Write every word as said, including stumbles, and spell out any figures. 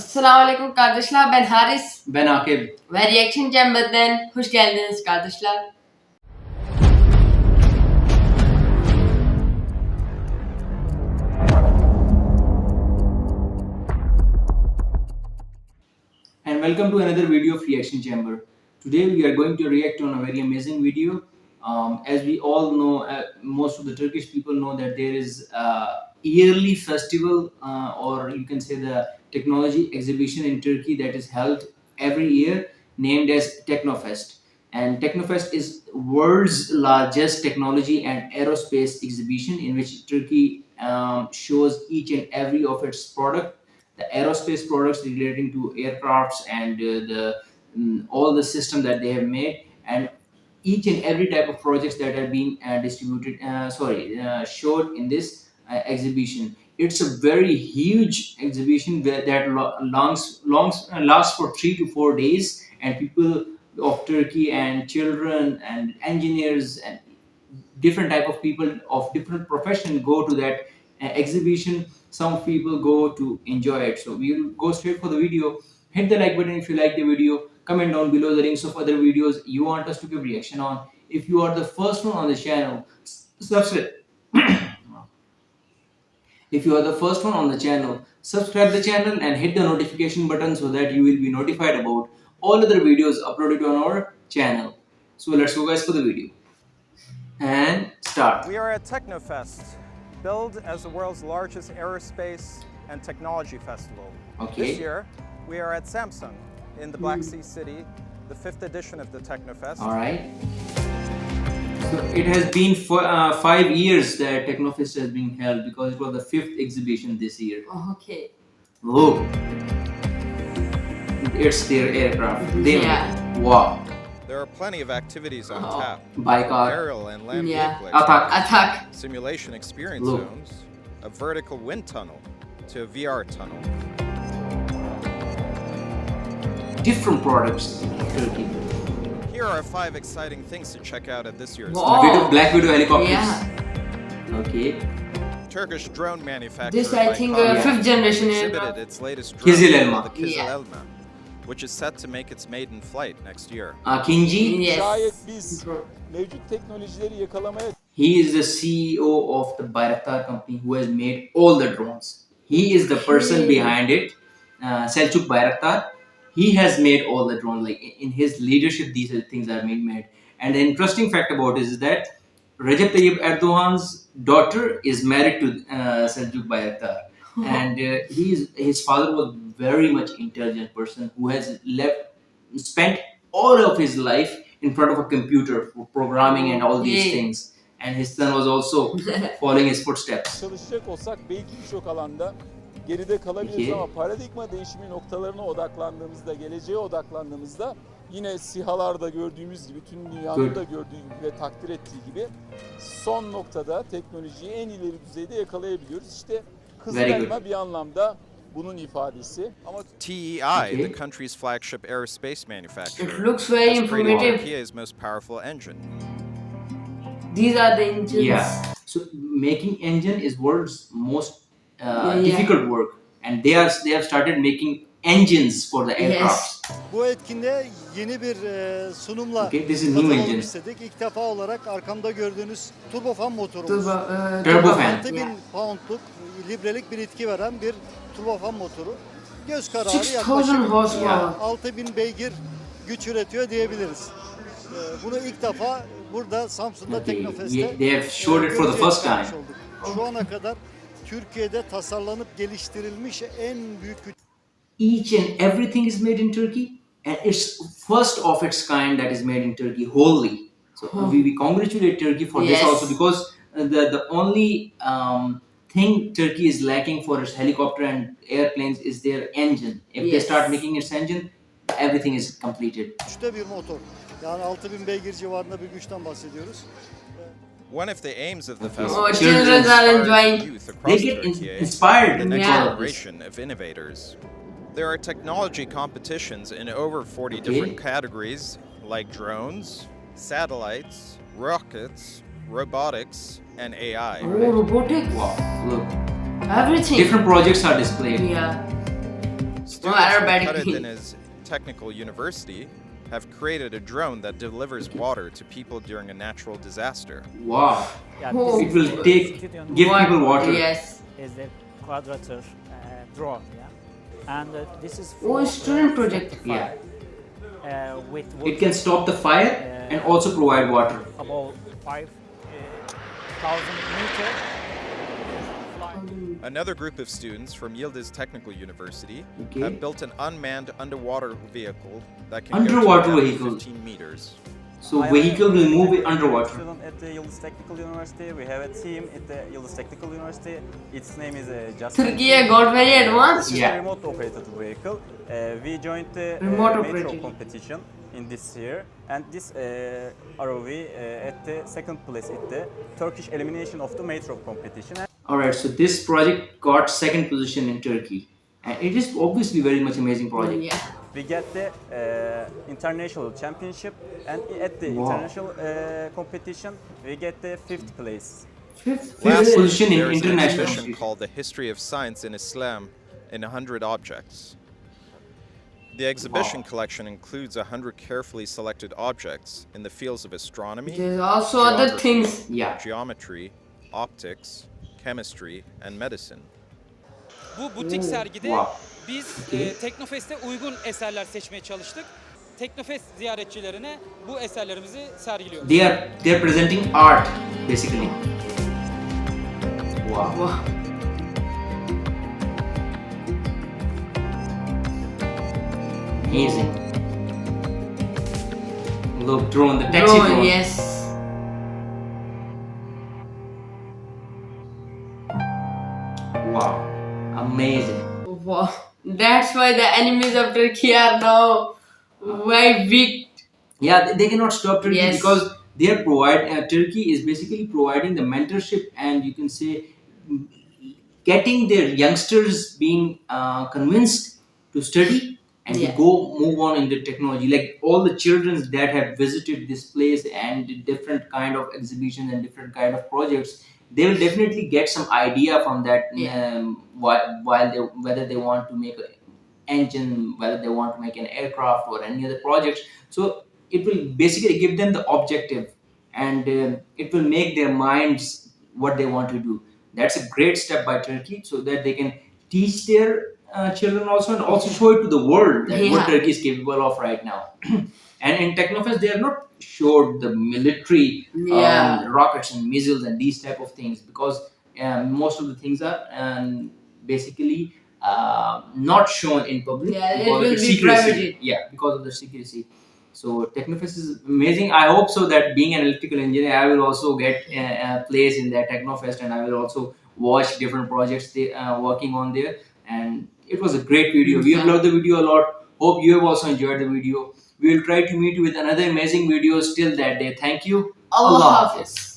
Assalamualaikum kardeşler, ben Haris Ben Akib. ve Reaction Chamber'den hoş geldiniz kardeşler. And welcome to another video of Reaction Chamber. Today we are going to react on a very amazing video. Um, as we all know, uh, most of the Turkish people know that there is a yearly festival, uh, or you can say the technology exhibition in Turkey that is held every year, named as Technofest. And Technofest is world's largest technology and aerospace exhibition in which Turkey um, shows each and every of its product, the aerospace products relating to aircrafts and uh, the um, all the system that they have made, and each and every type of projects that are being uh, distributed uh, sorry uh, showed in this uh, exhibition. It's a very huge exhibition where that lo- longs, longs, uh, lasts for three to four days, and people of Turkey and children and engineers and different type of people of different profession go to that uh, exhibition. Some people go to enjoy it. So we'll go straight for the video. Hit the like button if you like the video. Comment down below the links of other videos you want us to give reaction on. If you are the first one on the channel, subscribe. If you are the first one on the channel, subscribe the channel and hit the notification button so that you will be notified about all other videos uploaded on our channel. So let's go guys for the video. And start. We are at Technofest, billed as the world's largest aerospace and technology festival. Okay. This year, we are at Samsung in the Black Sea City, the fifth edition of the Technofest. All right. So it has been for, uh, five years that Technofest has been held because it was the fifth exhibition this year. Okay. Oh, it's their aircraft. They Yeah. Wow. There are plenty of activities on Oh. tap. Baykar. Aerial and land Yeah. vehicle Atak. Attack. simulation experience Look. zones, a vertical wind tunnel to a V R tunnel. Different products. Turkey. Here are five exciting things to check out at this year's Wow. Widow, Black Widow helicopters. Yeah. Okay. Turkish drone manufacturer This I think uh, Baykar fifth generation exhibited aircraft. its latest drone, Kizil Elma. the Kizil Yeah. Elma, which is set to make its maiden flight next year. Uh, Kinji. Şayet Yes. biz mevcut teknolojileri yakalamaya He is the C E O of the Bayraktar company who has made all the drones. He is the person Okay. behind it, uh, Selçuk Bayraktar. He has made all the drones. Like in his leadership, these are things are being made. And the interesting fact about it is that Recep Tayyip Erdogan's daughter is married to uh, Selçuk Bayraktar, and uh, he is, his father was very much intelligent person who has left spent all of his life in front of a computer for programming and all these Yeah. things. And his son was also following his footsteps. çalışacak olsak belki birçok alanda geride kalabiliriz Peki. ama paradigma değişimi noktalarına odaklandığımızda, geleceğe odaklandığımızda yine SİHA'larda gördüğümüz gibi, tüm dünyanın Good. da gördüğü gibi ve takdir ettiği gibi son noktada teknolojiyi en ileri düzeyde yakalayabiliyoruz. İşte Kızıl Very good. Elma bir anlamda bunun ifadesi. Ama T E I, Okay. the country's flagship aerospace manufacturer, It looks very has created informative. Turkey's most powerful engine. These are the engines. Yeah. So making engine is world's most uh, yeah. difficult work, and they are they have started making engines for the aircraft. Bu etkinliğe yeni bir e, sunumla Okay, this is new katılalım engine. istedik. İlk defa olarak arkamda gördüğünüz turbofan motorumuz. Turbo, uh, Turbofan. altı bin Yeah. poundluk librelik bir itki veren bir turbofan motoru. Göz kararı six thousand yaklaşık horsepower. altı bin beygir güç üretiyor diyebiliriz. E, Bunu ilk defa burada Samsun'da Okay, Teknofest'te yeah, they have showed it for the görücüye first çıkarmış time. olduk. Şu ana kadar Türkiye'de tasarlanıp geliştirilmiş en büyük güç. Each and everything is made in Turkey, and it's first of its kind that is made in Turkey wholly. So we, we congratulate Turkey for Yes. this also, because uh, the the only um, thing Turkey is lacking for its helicopter and airplanes is their engine. If they Yes. start making its engine, everything is completed. güçte bir motor. Yani altı bin beygir civarında bir güçten bahsediyoruz. One of the aims of the Okay. festival Oh, is children to are inspire enjoying. youth They across get in- Turkey inspired the in next all of this. generation of innovators. There are technology competitions in over forty Okay. different categories, like drones, satellites, rockets, robotics, and A I. Oh, robotics. Wow, look, Everything. different projects are displayed. Yeah. students from aerobatic. Karadeniz Technical University have created a drone that delivers water to people during a natural disaster. Wow. Yeah, Oh. this It is will the take- student give What- people water. Yes. is the quadrature uh, drone, yeah, and uh, this is Oh, for, student uh, project. fire, Yeah. uh, with It can stop the fire and also provide water. about five uh, thousand meter. Another group of students from Yildiz Technical University Okay. have built an unmanned underwater vehicle that can Underwater go to a depth vehicle. of fifteen meters. So I am vehicle a will move it technical underwater. Student at the Yıldız Technical University. We have a team at the Yıldız Technical University. Its name is uh, Just. Turkey got very advanced. It's Yeah. a remote operated vehicle. Uh, we joined the uh, Remote metro operated. competition in this year, and this uh, R O V uh, at the second place at the Turkish elimination of the metro competition. Alright, so this project got second position in Turkey. And it is obviously very much amazing project. Yeah. We get the uh, international championship, and at the Wow. international uh, competition, we get the fifth place. Fifth Lastly, position in there is an international. exhibition called The History of Science in Islam in one hundred Objects. The exhibition Wow. collection includes one hundred carefully selected objects in the fields of astronomy, There's also other Geography. things. Yeah. geometry, optics, chemistry, and medicine. Bu butik sergide Wow. biz Okay. e, Teknofest'e uygun eserler seçmeye çalıştık. Teknofest ziyaretçilerine bu eserlerimizi sergiliyoruz. They are they are presenting art basically. Wow. Wow. Amazing. Look, drone, the taxi Drone, drone. yes. Wow. Amazing. Wow. That's why the enemies of Turkey are now very weak. Yeah, they, they cannot stop Turkey Yes. because they are provide uh, Turkey is basically providing the mentorship and you can say mm, getting their youngsters being uh, convinced to study and Yeah. to go move on in the technology. Like all the children that have visited this place and did different kind of exhibitions and different kind of projects, they will definitely get some idea from that. Yeah. Um, while, while they whether they want to make an engine, whether they want to make an aircraft or any other projects. So it will basically give them the objective and uh, it will make their minds what they want to do. That's a great step by Turkey so that they can teach their uh, children also and also show it to the world that what Yeah. Turkey is capable of right now. And in Technofest they have not showed the military Yeah. um, rockets and missiles and these type of things because um, most of the things are um, basically uh, not shown in public Yeah, it because will of the be secrecy. privated. Yeah, because of the secrecy. So Technofest is amazing. I hope so that being an electrical engineer, I will also get a, a place in that Technofest, and I will also watch different projects they uh, working on there. And it was a great video. We have Yeah. loved the video a lot. Hope you have also enjoyed the video. We will try to meet you with another amazing videos till that day. Thank you. Allah Allah Hafiz.